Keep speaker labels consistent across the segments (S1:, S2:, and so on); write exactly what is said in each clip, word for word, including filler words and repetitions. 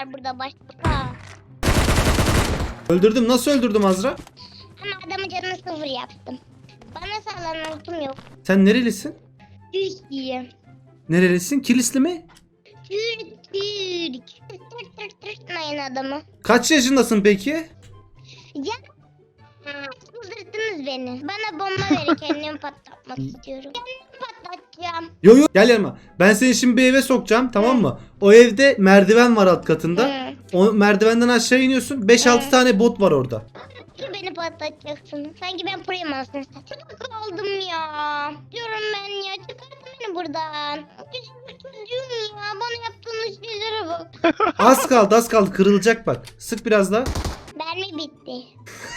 S1: var burada başka.
S2: Öldürdüm. Nasıl öldürdüm Azra?
S1: Ama adamın canını sıfır yaptım. Bana sağlanan ultum yok.
S2: Sen nerelisin?
S1: Türkiye.
S2: Nerelisin? Kilisli mi?
S1: Türk Türk. Türk Türk Türk Mayın adamı.
S2: Kaç yaşındasın peki?
S1: Ya çıldırttınız beni. Bana bomba verin, kendimi patlatmak istiyorum. Kendimi patlatacağım.
S2: Yo yo gel yanıma. Ben seni şimdi bir eve sokacağım, tamam mı? O evde merdiven var alt katında.
S1: Hı.
S2: O merdivenden aşağı iniyorsun. beş altı
S1: Hı.
S2: tane bot var orada.
S1: Ki beni patlatacaksın. Sanki ben proyum aslında. Çok kaldım ya. Diyorum ben ya. Çıkartın beni buradan. Küçük çocuğum ya. Bana yaptığınız şeylere bak.
S2: Az kaldı az kaldı, kırılacak bak. Sık biraz daha.
S1: Mermi bitti.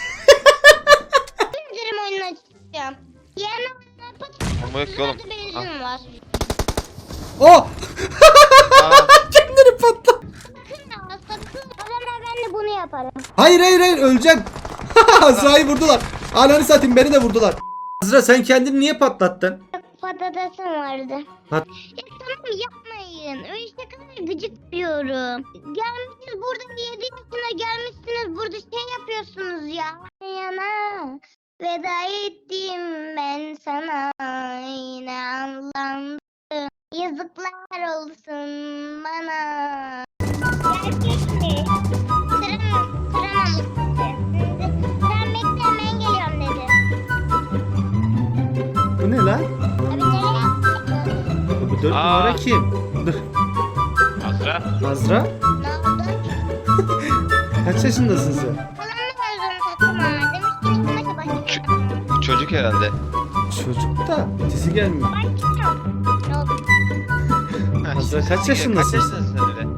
S1: Üzerim oyunu açacağım. Yana
S3: Ama yok ki oğlum.
S1: patlatın. Benzin var.
S2: Oh!
S3: Aa,
S2: Kendini patla.
S1: Sakın ha sakın. O zaman ben de bunu yaparım.
S2: Hayır hayır hayır, öleceksin. Azra'yı vurdular. Ananı satayım, beni de vurdular. Azra sen kendini niye patlattın?
S1: Patatesim vardı.
S2: Pat-
S1: Ya tamam yapmayın. Öyle şakalar gıcık diyorum. Gelmişsiniz burada yedi yaşına gelmişsiniz burada şey yapıyorsunuz ya. Yana veda ettim ben sana yine anlandım. Yazıklar olsun bana. Gerçek mi? Sıram, sıramamışsın. Sen bekle ben geliyorum dedi.
S2: Bu ne lan?
S1: Abi nereye yaptın?
S2: Bu dört
S3: Aa.
S2: numara kim? Dur.
S3: Azra.
S2: Azra
S1: Ne oldu?
S2: kaç yaşındasın sen?
S1: Falanla gözünü takma. Demiş ki maça başlayalım.
S3: Çocuk herhalde.
S2: Çocuk da ötesi gelmiyor.
S1: Başlayalım. Ne oldu?
S2: Azra kaç
S3: Kaç
S2: yaşındasın?
S3: yaşındasın sen öyle?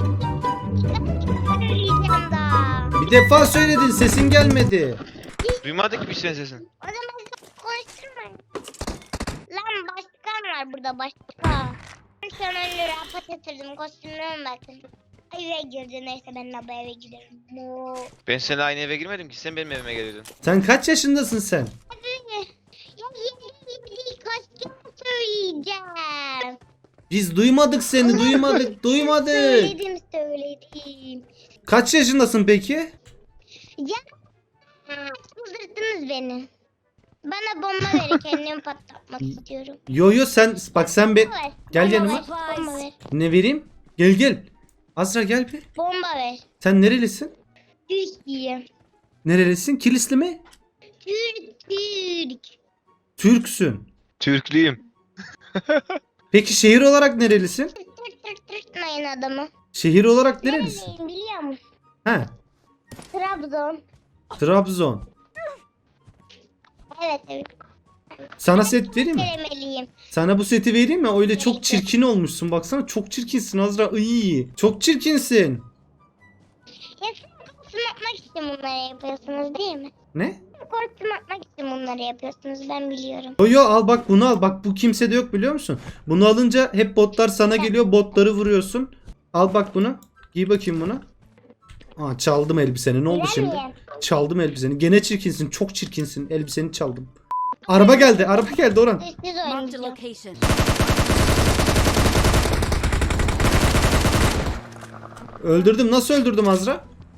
S1: Ben öleceğim daha.
S2: Bir defa söyledin, sesin gelmedi.
S3: Duymadık ki bir senin sesin.
S1: O zaman konuşturmayın. Lan başkan var burada başka. Ben sana öyle rapat yatırdım. Kostümlerime bakın. Eve girdi neyse ben de bu eve giderim. Mo.
S3: Ben seninle aynı eve girmedim ki, sen benim evime geliyordun.
S2: Sen kaç yaşındasın sen?
S1: Hadi. Ya yeni bir kostüm söyleyeceğim.
S2: Biz duymadık seni, duymadık, duymadık.
S1: Söyledim söyledim.
S2: Kaç yaşındasın peki?
S1: Ya çıldırttınız beni. Bana bomba verin, kendimi patlatmak istiyorum.
S2: Yo yo sen bak sen be
S1: Bomba ver.
S2: gel
S1: Bomba
S2: yanıma.
S1: ver, Bomba ver.
S2: Ne vereyim? Gel gel. Azra gel bir.
S1: Bomba ver.
S2: Sen nerelisin?
S1: Türkiye.
S2: Nerelisin? Kilisli mi?
S1: Türk Türk.
S2: Türksün.
S3: Türklüyüm.
S2: Peki şehir olarak nerelisin?
S1: Türk Türk Türk Mayın adamı.
S2: Şehir olarak nerelisin?
S1: Nereliyim biliyor musun?
S2: He.
S1: Trabzon.
S2: Trabzon.
S1: Evet evet.
S2: Sana set vereyim mi?
S1: Kelimeliyim.
S2: Sana bu seti vereyim mi? Öyle çok çirkin olmuşsun. Baksana çok çirkinsin Azra. İyi. Çok çirkinsin.
S1: Ya siz kostüm atmak için bunları yapıyorsunuz değil mi?
S2: Ne?
S1: Kostüm atmak için bunları yapıyorsunuz ben biliyorum.
S2: Yo yo al bak bunu al. Bak bu kimsede yok biliyor musun? Bunu alınca hep botlar sana geliyor. Botları vuruyorsun. Al bak bunu. Giy bakayım bunu. Aa çaldım elbiseni. Ne oldu
S1: Güzel
S2: şimdi?
S1: miyim?
S2: Çaldım elbiseni. Gene çirkinsin. Çok çirkinsin. Elbiseni çaldım. Araba geldi. Araba geldi Orhan.
S1: Sessiz
S4: Marked a
S1: oynayacağım.
S4: location.
S2: Öldürdüm. Nasıl öldürdüm Azra?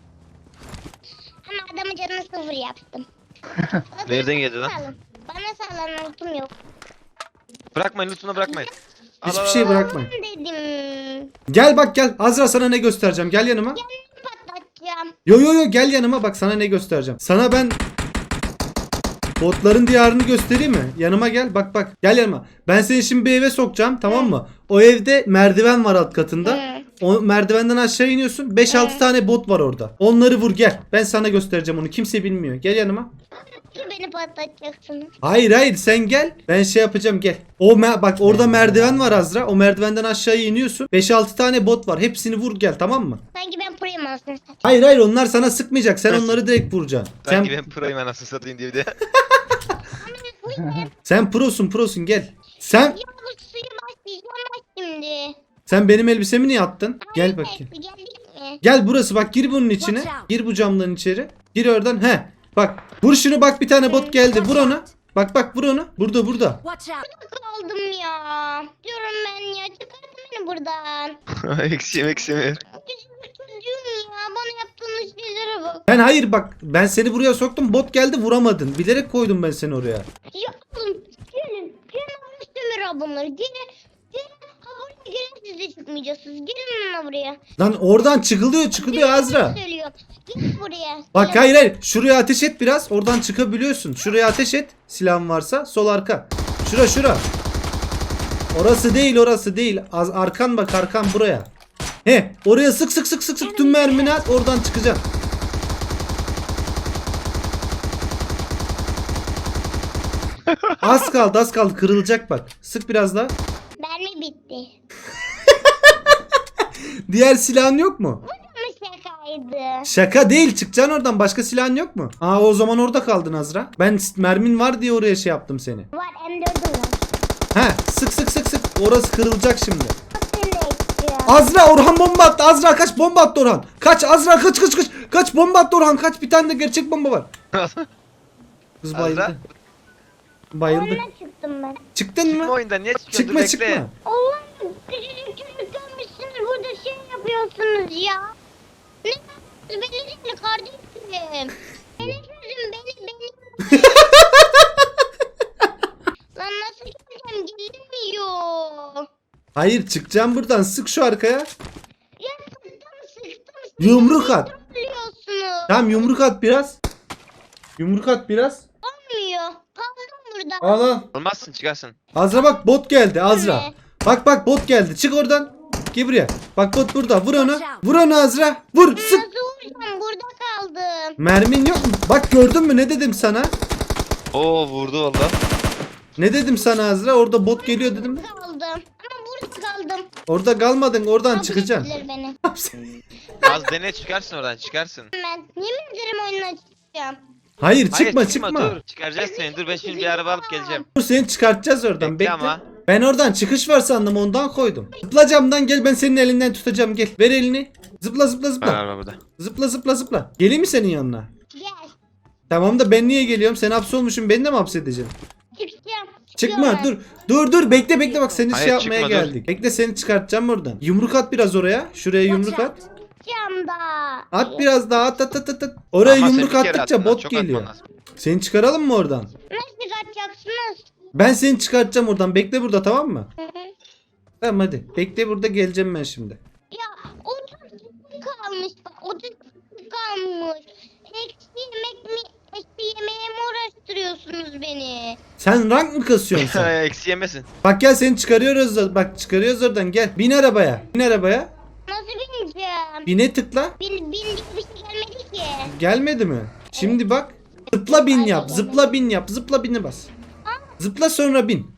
S1: Ama adamın canını sıfır yaptım.
S3: Nereden geldi lan?
S1: Sağlam. Bana sağlanan ultum yok.
S3: Bırakmayın, lütfen bırakmayın. Al,
S2: Hiçbir
S3: al,
S2: şey
S3: al.
S2: bırakmayın.
S1: Dedim.
S2: Gel bak gel. Azra sana ne göstereceğim. Gel yanıma.
S1: Kendimi patlatacağım.
S2: Yo yo yo gel yanıma. Bak sana ne göstereceğim. Sana ben botların diyarını göstereyim mi? Yanıma gel. Bak bak. Gel yanıma. Ben seni şimdi bir eve sokacağım, tamam mı? O evde merdiven var alt katında.
S1: Hı.
S2: O merdivenden aşağı iniyorsun. beş altı
S1: Hı.
S2: tane bot var orada. Onları vur gel. Ben sana göstereceğim onu. Kimse bilmiyor. Gel yanıma.
S1: Ki beni patlatacaksınız.
S2: Hayır hayır sen gel. Ben şey yapacağım gel. O me- bak orada merdiven var Azra. O merdivenden aşağıya iniyorsun. beş altı tane bot var. Hepsini vur gel, tamam mı?
S1: Sanki ben proyum aslında.
S2: Hayır hayır onlar sana sıkmayacak. Sen onları direkt vuracaksın. Sen
S3: Sanki ben proyum anasını satayım diye bir de.
S1: Bu ne?
S2: sen prosun prosun gel. Sen
S1: Ya bu suyu başlayacağım bak şimdi.
S2: sen benim elbisemi niye attın? Gel bakayım.
S1: Geldik mi?
S2: Gel burası bak, gir bunun içine. Gir bu camdan içeri. Gir oradan. He. Bak vur şunu, bak bir tane bot geldi. Vur onu. Bak bak vur onu. Burada burada.
S4: Watch out.
S1: Kaldım ya. Diyorum ben ya çıkartın beni buradan.
S3: Eksiğim eksiğim.
S1: Küçük çocuğum
S2: Ben hayır bak ben seni buraya soktum bot geldi vuramadın. Bilerek koydum ben seni oraya.
S1: Ya oğlum gelin. Gelin Ömür bunları. Gelin. Gelin. Ha buraya gelin siz de çıkmayacaksınız. Gelin lan buraya.
S2: Lan oradan çıkılıyor çıkılıyor Azra.
S1: Söylüyorum. Gel buraya.
S2: Bak
S1: Gelin.
S2: hayır hayır şuraya ateş et biraz oradan çıkabiliyorsun. Şuraya ateş et silahın varsa sol arka. Şura şura. Orası değil orası değil. Az arkan bak arkan buraya. He oraya sık sık sık sık sık tüm mermini at oradan çıkacaksın. Az kaldı az kaldı kırılacak bak. Sık biraz daha.
S1: Mermi bitti.
S2: Diğer silahın yok mu?
S1: Ama şakaydı.
S2: Şaka değil çıkacaksın oradan başka silahın yok mu? Aa o zaman orada kaldın Azra. Ben s- mermin var diye oraya şey yaptım seni.
S1: Var M dördüm var.
S2: He sık sık sık sık orası kırılacak şimdi.
S1: Bak seni de istiyorum.
S2: Azra Orhan bomba attı. Azra kaç bomba attı Orhan. Kaç Azra kaç kaç kaç. Kaç bomba attı Orhan kaç bir tane de gerçek bomba var. Kız
S3: Azra?
S2: bayıldı. Bayıldı.
S1: Onunla çıktım ben.
S2: Çıktın
S3: Çıkma
S2: mı?
S3: oyundan niye çıkıyorsun?
S2: Çıkma
S3: Dur,
S2: çıkma.
S3: bekle.
S1: Allah'ım küçücük çocuk görmüşsünüz burada şey yapıyorsunuz ya. Ne yapıyorsunuz beni değil kardeşim. Beni çözün beni beni. Lan nasıl geleceğim gelmiyor.
S2: Hayır çıkacağım buradan sık şu arkaya.
S1: Ya sıktım sıktım.
S2: Yumruk at.
S1: Biliyorsunuz.
S2: Tamam yumruk at biraz. Yumruk at biraz.
S1: Olmuyor. Kaldım burada.
S2: Al al.
S3: Olmazsın çıkarsın.
S2: Azra bak bot geldi Azra.
S1: Ne?
S2: Bak bak bot geldi. Çık oradan. Gel buraya. Bak bot burada. Vur onu. Vur onu Azra. Vur. Sık.
S1: Nasıl vuracağım burada kaldım.
S2: Mermin yok mu? Bak gördün mü ne dedim sana?
S3: Oo vurdu valla.
S2: Ne dedim sana Azra? Orada bot geliyor dedim.
S1: Kaldım. Ama burada kaldım.
S2: Orada kalmadın. Oradan
S1: Kabul
S2: çıkacaksın.
S1: ettiler beni.
S3: Az dene çıkarsın oradan çıkarsın.
S1: Ben yemin ederim oyundan çıkacağım.
S2: Hayır çıkma
S3: Hayır,
S2: çıkma.
S3: Dur çıkaracağız seni. Dur ben şimdi bir araba alıp geleceğim.
S2: Dur seni çıkartacağız oradan.
S3: Bekle
S2: Bekle.
S3: ama.
S2: Ben oradan çıkış var sandım ondan koydum. Zıpla camdan gel ben senin elinden tutacağım gel. Ver elini. Zıpla zıpla
S3: Ben
S2: zıpla.
S3: araba burada.
S2: Zıpla zıpla zıpla. Geleyim mi senin yanına?
S1: Gel.
S2: Tamam da ben niye geliyorum? Sen hapsolmuşsun beni de mi hapsedeceksin?
S1: Çıkacağım.
S2: Çıkma
S1: Çıkıyorum
S2: dur. Dur dur bekle bekle bak seni
S3: Hayır,
S2: şey yapmaya
S3: çıkma, dur.
S2: geldik. Bekle seni çıkartacağım buradan. Yumruk at biraz oraya. Şuraya yumruk at.
S1: Çıkacağım da.
S2: At biraz daha at at at at. at. Oraya
S3: Ama sen
S2: yumruk
S3: bir kere
S2: attıkça
S3: attın lan,
S2: bot
S3: çok
S2: geliyor.
S3: atman lazım.
S2: Seni çıkaralım mı oradan?
S1: Nasıl çıkartacaksınız?
S2: Ben seni çıkartacağım oradan. Bekle burada tamam mı?
S1: Hı hı.
S2: Tamam hadi. Bekle burada geleceğim ben şimdi.
S1: Ya otuz kalmış bak otuz kalmış. Eksi yemek mi? Eksi yemeğe mi uğraştırıyorsunuz beni?
S2: Sen rank mı kasıyorsun sen?
S3: Eksi yemesin.
S2: Bak gel seni çıkarıyoruz. da- Bak çıkarıyoruz oradan gel. Bin arabaya. Bin arabaya.
S1: Nasıl bineceğim?
S2: Bine tıkla.
S1: Bin, bin diye bir şey gelmedi ki.
S2: Gelmedi mi? Şimdi bak. Zıpla bin yap. Zıpla bin yap. Zıpla bini bas. Zıpla sonra bin.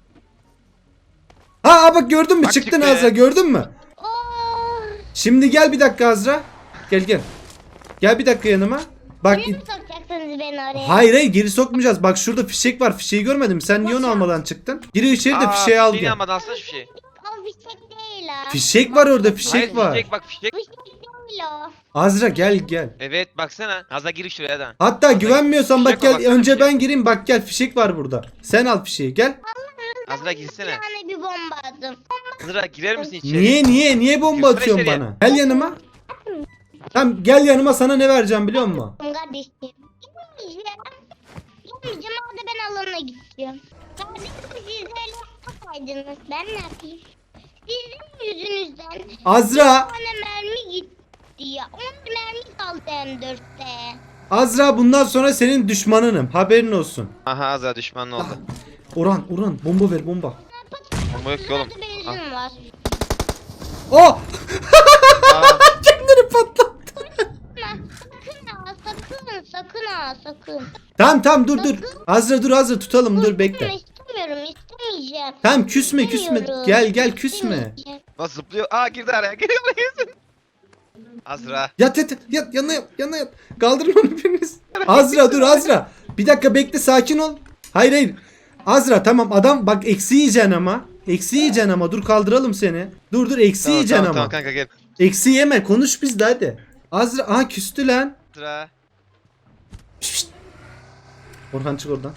S2: Ha aa, bak gördün mü?
S3: Bak
S2: Çıktın
S3: çıktı.
S2: Azra gördün mü?
S1: Oh.
S2: Şimdi gel bir dakika Azra. Gel gel. Gel bir dakika yanıma. Bak
S1: Buraya mı sokacaksınız beni oraya?
S2: hayır hayır geri sokmayacağız. Bak şurada fişek var. Fişeği görmedin mi? Sen niye onu almadan çıktın? Gir içeri de fişeği al
S3: Yine
S2: gel.
S3: almadan alsana şu şeyi.
S1: O fişek değil o.
S2: Fişek var orada fişek
S3: Hayır
S2: var.
S3: fişek bak fişek.
S1: Fişek değil o.
S2: Azra gel gel.
S3: Evet baksana. Azra gir şuraya da.
S2: Hatta güvenmiyorsan bak
S3: fişek var,
S2: gel
S3: baksana
S2: önce
S3: fişek.
S2: ben gireyim bak gel fişek var burada. Sen al fişeği gel.
S3: Azra
S1: Bir
S3: girsene.
S1: tane bir bomba attım.
S3: Azra girer misin içeri?
S2: Niye niye niye bomba
S3: Girsene
S2: atıyorsun
S3: içeriye.
S2: bana? Gel yanıma. Tamam gel yanıma sana ne vereceğim biliyor musun?
S1: Kardeşim. Gitmeyeceğim. Gitmeyeceğim orada ben alana gideceğim. Kardeşim siz öyle yapmasaydınız ben ne yapayım? Sizin yüzünüzden
S2: Azra
S1: bana mermi gitti ya. on mermi kaldı M dörtte.
S2: Azra bundan sonra senin düşmanınım. Haberin olsun.
S3: Aha Azra düşmanın oldu.
S2: Orhan Orhan bomba ver bomba.
S3: Bomba yok ki oğlum.
S1: Burada benzin var.
S2: Oh!
S3: Aa,
S2: Kendini patlattı.
S1: Sakın ha sakın sakın ha sakın.
S2: Tamam tamam dur dur. Azra dur Azra tutalım dur bekle.
S1: İstemiyorum istemeyeceğim.
S2: Tamam küsme küsme.
S1: İstemiyorum,
S2: Gel gel küsme.
S1: istemeyeceğim.
S3: nasıl zıplıyor? Aa girdi araya. Geliyor buraya girsin. Azra.
S2: Yat yat yat yat yana yat yana yat. Kaldırın onu biriniz. Azra dur Azra. Bir dakika bekle sakin ol. Hayır hayır. Azra tamam adam bak eksi yiyeceksin ama. Eksi yiyeceksin ama dur kaldıralım seni. Dur dur eksi
S3: Tamam,
S2: yiyeceksin
S3: tamam,
S2: ama.
S3: tamam kanka gel.
S2: Eksi yeme konuş bizle hadi. Azra aha küstü lan.
S3: Azra.
S2: Şşt, şşt. Orhan çık oradan.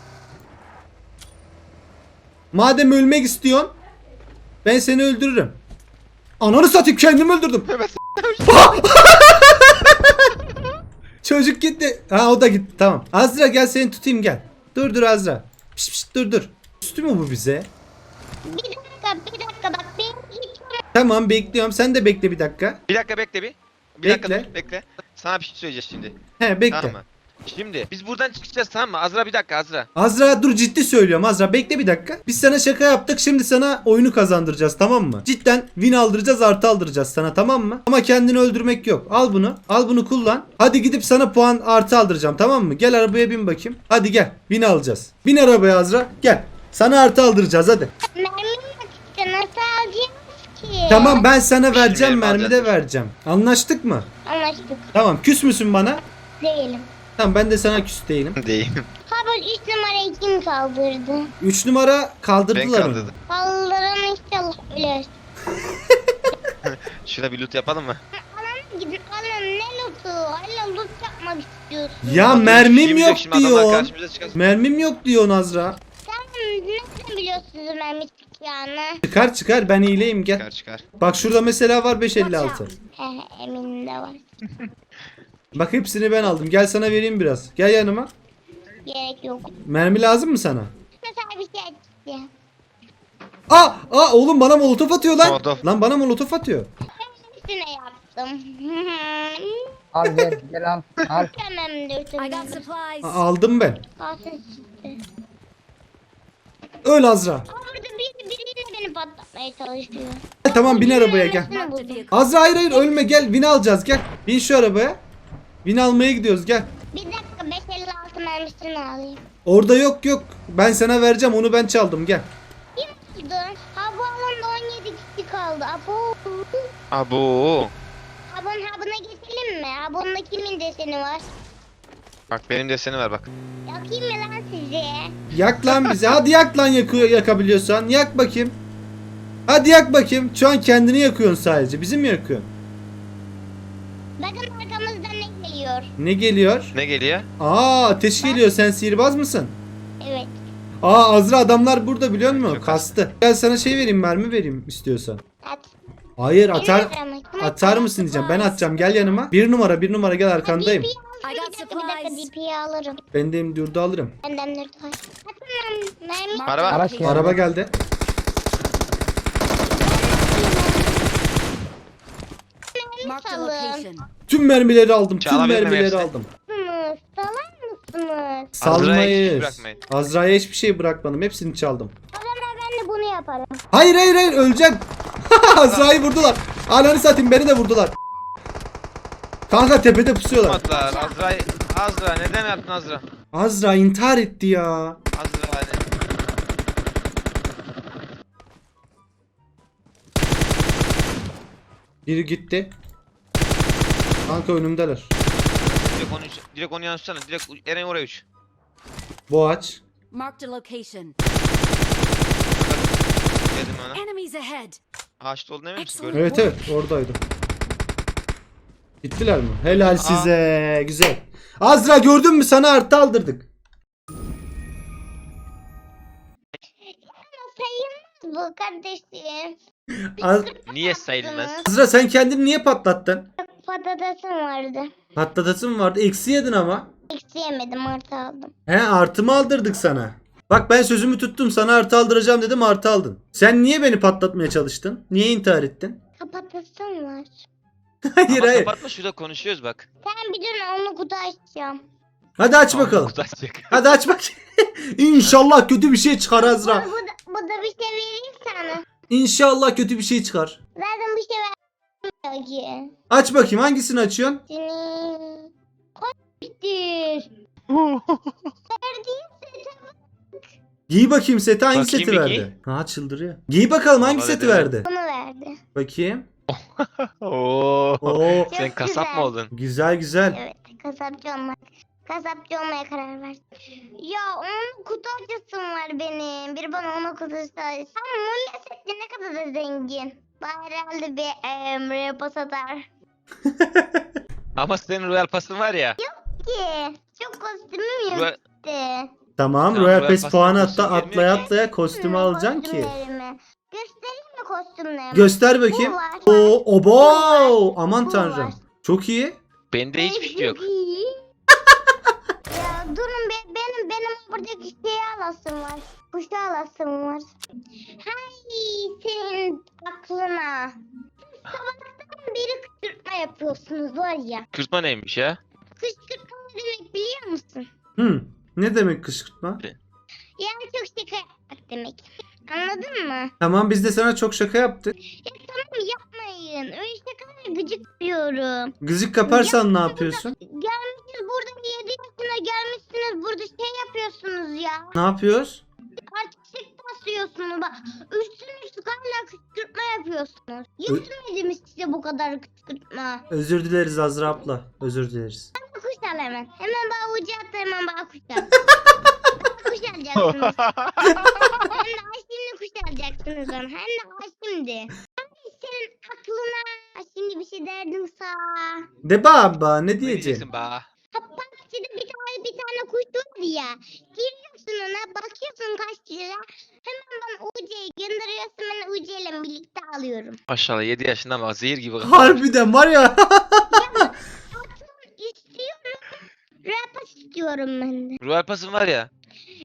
S2: Madem ölmek istiyorsun ben seni öldürürüm. Ananı satayım kendimi öldürdüm.
S3: Evet.
S2: Çocuk gitti. Ha o da gitti tamam. Azra gel seni tutayım gel. Dur dur Azra. Pişt pişt dur dur. Üstü mü bu bize?
S1: Bir dakika bir dakika bak benim hiç
S2: Tamam bekliyorum. Sen de bekle bir dakika.
S3: Bir dakika bekle bir. Bir
S2: Bekle.
S3: dakika dur bekle. Sana bir şey söyleyeceğiz şimdi.
S2: He bekle.
S3: Tamam mı? Şimdi biz buradan çıkacağız tamam mı? Azra bir dakika Azra.
S2: Azra dur ciddi söylüyorum Azra bekle bir dakika. Biz sana şaka yaptık şimdi sana oyunu kazandıracağız tamam mı? Cidden win aldıracağız artı aldıracağız sana tamam mı? Ama kendini öldürmek yok. Al bunu al bunu kullan. Hadi gidip sana puan artı aldıracağım tamam mı? Gel arabaya bin bakayım. Hadi gel win alacağız. Bin arabaya Azra gel. Sana artı aldıracağız hadi.
S1: mermim yok işte nasıl alacağız ki?
S2: Tamam ben sana vereceğim
S3: Bilmiyorum,
S2: mermi de
S3: alacağız.
S2: vereceğim. Anlaştık mı?
S1: Anlaştık.
S2: Tamam küs müsün bana?
S1: Değilim.
S2: Tamam ben de sana küs değilim.
S3: Değil.
S1: Ha böyle üç numarayı kim kaldırdı?
S2: üç numara
S3: Ben
S2: kaldırdılar onu.
S3: kaldırdım.
S1: Kaldıran inşallah ölür.
S3: Şurada bir loot yapalım mı?
S1: Alana gidin alın ne lootu? Hala loot yapmak istiyorsun.
S2: Ya mermim
S3: Şimdi
S2: yok
S3: şimdi adamlar
S2: diyor.
S3: karşımıza çıkar.
S2: Mermim yok diyor Azra.
S1: Sen nereden biliyorsunuz mermi çıkacağını?
S2: Çıkar çıkar ben iyileyim gel.
S3: Çıkar çıkar.
S2: Bak şurada mesela var beş elli altı.
S1: He he eminim de var.
S2: Bak hepsini ben aldım. Gel sana vereyim biraz. Gel yanıma.
S1: Gerek yok.
S2: Mermi lazım mı sana?
S1: Mesela bir şey açtı.
S2: Aa, aa oğlum bana molotof atıyor lan.
S3: Molotof.
S2: Lan bana molotof atıyor.
S1: Üstüne yaptım.
S4: Al gel gel al. Al.
S1: Tamamdır
S5: I
S1: tamam.
S5: got supplies.
S2: Aa, aldım ben.
S1: Kalsın size.
S2: Öl Azra.
S1: Aa, burada biri, biriyle beni patlatmaya çalışıyor.
S2: Gel, tamam bin arabaya gel.
S1: Üstüne
S5: Marked a
S1: buldum.
S5: vehicle.
S2: Azra hayır hayır ölme gel. Vin alacağız gel. Bin şu arabaya. Vin almaya gidiyoruz gel.
S1: Bir dakika beş elli altı mermisini alayım.
S2: Orada yok yok. Ben sana vereceğim onu ben çaldım gel.
S1: Kim oldu? Ha bu alanda on yedi kişi kaldı. Abo.
S3: Abo.
S1: Habun habuna geçelim mi? Habunla kimin deseni var?
S3: Bak benim deseni var bak.
S1: Yakayım mı lan sizi?
S2: Yak lan bizi. Hadi yak lan yakıyor, yakabiliyorsan. Yak bakayım. Hadi yak bakayım. Şu an kendini yakıyorsun sadece. Bizi mi yakıyorsun?
S1: Bakın arkamızdan ne geliyor?
S2: Ne geliyor?
S3: Ne geliyor?
S2: Aa ateş geliyor. Sen sihirbaz mısın?
S1: Evet.
S2: Aa Azra adamlar burada biliyor musun?
S3: Çok
S2: Kastı. Gel sana şey vereyim mermi vereyim istiyorsan.
S1: At.
S2: Hayır
S1: Benim
S2: atar
S1: arama, kim
S2: atar
S1: atar?
S2: mısın diyeceğim. Ben atacağım gel yanıma. Bir numara bir numara gel arkandayım.
S1: D P'yi al.
S5: I
S1: Bir
S5: got
S1: dakika bir dakika
S5: supplies.
S1: D P'yi alırım.
S2: Ben de durdu alırım.
S1: Benden dört var. Atın lan mermi.
S5: Marked
S3: Araba.
S5: a
S4: Araç
S5: location.
S4: geldi.
S2: Araba geldi.
S1: Mermi
S5: Marked a
S1: salın.
S5: location.
S2: Tüm mermileri aldım. Tüm
S3: Çalabilir miyim
S2: mermileri
S3: hepsini?
S2: aldım.
S1: Mısınız? Salar mısınız?
S3: Azra'ya hiçbir şey
S2: Salmayız.
S3: bırakmayın.
S2: Azra'ya hiçbir şey bırakmadım. Hepsini çaldım.
S1: O zaman ben de bunu yaparım.
S2: Hayır hayır hayır öleceksin. Azra'yı vurdular. Ananı satayım beni de vurdular. Kanka tepede pusuyorlar.
S3: Atlar. Azra. Azra neden yaptın Azra?
S2: Azra intihar etti ya.
S3: Azra hani.
S2: Biri gitti. Kanka önümdeler.
S3: Direkt onu, direkt onu yansıtsana. Direkt Eren oraya uç.
S2: Boğaç.
S5: Marked a location.
S3: Dedim ona.
S5: Enemies ahead.
S3: Ağaçta olduğunu emin misin?
S5: Excellent.
S3: Gördün mü?
S2: Evet evet oradaydı. Gittiler mi? Helal size. Güzel. Azra gördün mü sana artı aldırdık.
S1: Ama sayılmaz bu kardeşim.
S2: Az-
S3: Niye sayılmaz?
S2: Azra sen kendini niye patlattın?
S1: Patatesim vardı.
S2: Patlatasın vardı. Eksi yedin ama.
S1: Eksi yemedim artı aldım.
S2: He artı mı aldırdık sana? Bak ben sözümü tuttum sana artı aldıracağım dedim artı aldın. Sen niye beni patlatmaya çalıştın? Niye intihar ettin?
S1: Kapatasım var.
S2: hayır
S3: Ama
S2: hayır.
S3: kapatma şurada konuşuyoruz bak.
S1: Sen bir dur onu kutu açacağım.
S2: Hadi aç
S3: Tamam,
S2: bakalım.
S3: kutu açacak.
S2: Hadi aç bak. İnşallah kötü bir şey çıkar
S1: Bu,
S2: Azra.
S1: bu, da, bu da bir şey vereyim sana.
S2: İnşallah kötü bir şey çıkar.
S1: Zaten bir şey vermiyor ki.
S2: Aç bakayım hangisini açıyorsun?
S1: Seni... Koştur. Verdiğin sete
S2: Giy bakayım seti hangi
S3: Bakayım
S2: seti
S3: bir
S2: verdi? Ha çıldırıyor. Giy bakalım hangi
S3: Vallahi
S2: seti
S3: dedi.
S2: verdi?
S1: bunu verdi.
S2: Bakayım.
S3: Oo.
S2: Oo
S3: Sen
S1: Çok
S3: kasap
S1: güzel.
S3: mı oldun?
S2: güzel güzel.
S1: Evet kasapçı olmak. Kasapçı olmaya karar verdim. Ya onun kutu açısım var benim. Bir bana ona kutu açısı. Sen Mulla Setli ne kadar da zengin. Bari herhalde bir emre pas atar.
S3: Ama senin royal pasın var ya.
S1: Ki çok kostümüm yok
S3: Royal-
S1: işte.
S2: Tamam
S3: Tamam,
S2: Royal
S3: Royal
S2: Pass
S3: Pass'tan
S2: puanı
S3: kostüm
S2: atla,
S3: gelmiyor
S2: atlaya
S3: ki.
S2: atlaya kostümü
S1: Hı,
S2: alacaksın ki.
S1: kostümlerimi. Göstereyim mi kostümlerimi?
S2: Göster bakayım.
S1: Bu var.
S2: Oo, obo!
S1: Bu var.
S2: Aman
S1: Bu
S2: tanrım.
S1: var.
S2: Çok iyi.
S3: Bende hiçbir şey yok.
S1: Çok iyi. Ya durun be, benim benim buradaki şeyi alasım var. Kuşu alasım var. Hay senin aklına. Sabahtan beri kışkırtma yapıyorsunuz var ya.
S3: Kürtma neymiş ya?
S1: Kışkırtma ne demek biliyor musun?
S2: Hı. Ne demek kışkırtma?
S1: Yani çok şaka yapmak demek. Anladın mı?
S2: Tamam biz de sana çok şaka yaptık.
S1: Ya tamam yapmayın. Öyle şakalar gıcık diyorum.
S2: Gıcık kaparsan ne yapıyorsun?
S1: Gelmişsiniz burada yedi yaşına gelmişsiniz burada şey yapıyorsunuz ya.
S2: Ne yapıyoruz?
S1: Artistik basıyorsunuz bak. Üstüne üstlük hala kışkırtma yapıyorsunuz. Yetmedi mi size bu kadar kışkırtma?
S2: Özür dileriz Azra abla. Özür dileriz.
S1: Kuş al hemen. Hemen bana ucu at hemen bana kuş al. Kuş alacaksınız. Hem de ay şimdi kuş alacaksınız bana. Hem de ay şimdi. Ay senin aklına. Ay şimdi bir şey derdim sana.
S2: De baba ne
S3: Ne
S2: diyeceksin?
S3: diyeceksin be?
S1: Ha bak şimdi bir tane bir tane kuş var ya. Giriyorsun ona bakıyorsun kaç lira. Hemen bana U C'yi gönderiyorsun ben U C ile birlikte alıyorum.
S3: Maşallah yedi yaşından bak zehir gibi.
S2: Harbiden var ya.
S1: Atın istiyorum. Rapa istiyorum ben de.
S3: Ruh Alpas'ın var ya.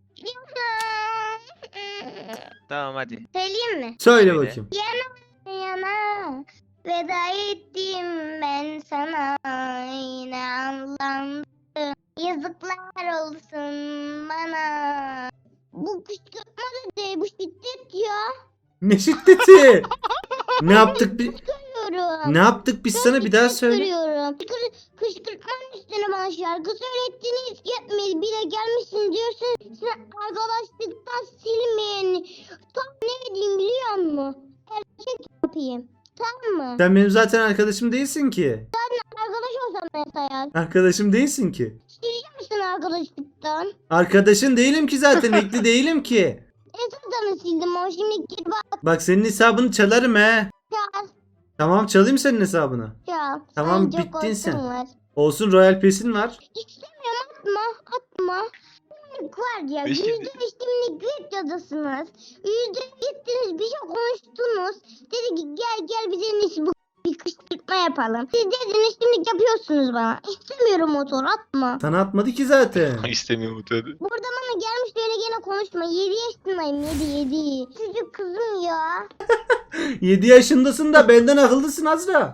S1: Yana.
S3: Tamam hadi.
S1: Söyleyeyim mi?
S2: Söyle
S3: Söyle.
S2: bakayım.
S1: Yana veda ettim ben sana yine anlandım. Yazıklar olsun bana. Bu kışkırtma da değil bu şiddet ya.
S2: Ne şiddeti? Ne yaptık biz?
S1: Görüyorum.
S2: Ne yaptık biz sana bir daha söyle.
S1: Görüyorum. Kışkır, kışkırtmanın üstüne bana şarkı söylettiniz. Yetmedi bile gelmişsin diyorsun. Sen arkadaşlıktan silmeyen. Tam ne diyeyim biliyor musun? Erkek yapayım. Tamam mı?
S2: Sen benim zaten arkadaşım değilsin ki.
S1: Arkadaş olsam mesela.
S2: Arkadaşım değilsin ki.
S1: Silecek misin arkadaşlıktan?
S2: Arkadaşın değilim ki zaten. Ekli değilim ki.
S1: Esasını sildim o şimdi gir bak
S2: Bak senin hesabını çalarım he.
S1: çal
S2: Tamam çalayım senin hesabını.
S1: çal.
S2: Tamam,
S1: Sen çok
S2: bittin sen.
S1: korkun Var.
S2: Olsun Royal Pass'in var.
S1: İstemiyorum atma atma. Şimdilik var ya
S3: Ne
S1: yüzde
S3: şimdi?
S1: beş şimdilik videodasınız. Yüzde gittiniz bir şey konuştunuz. Dedi ki gel gel bize en iyisi bu bir kışkırtma yapalım. Siz dediniz şimdi yapıyorsunuz bana. İstemiyorum motor atma.
S2: Sana atmadı ki zaten.
S3: İstemiyorum tabii.
S1: Burada bana gelmiş böyle gene konuşma. yedi yaşındayım yedi yedi. Çocuk kızım ya.
S2: yedi yaşındasın da benden akıllısın Azra.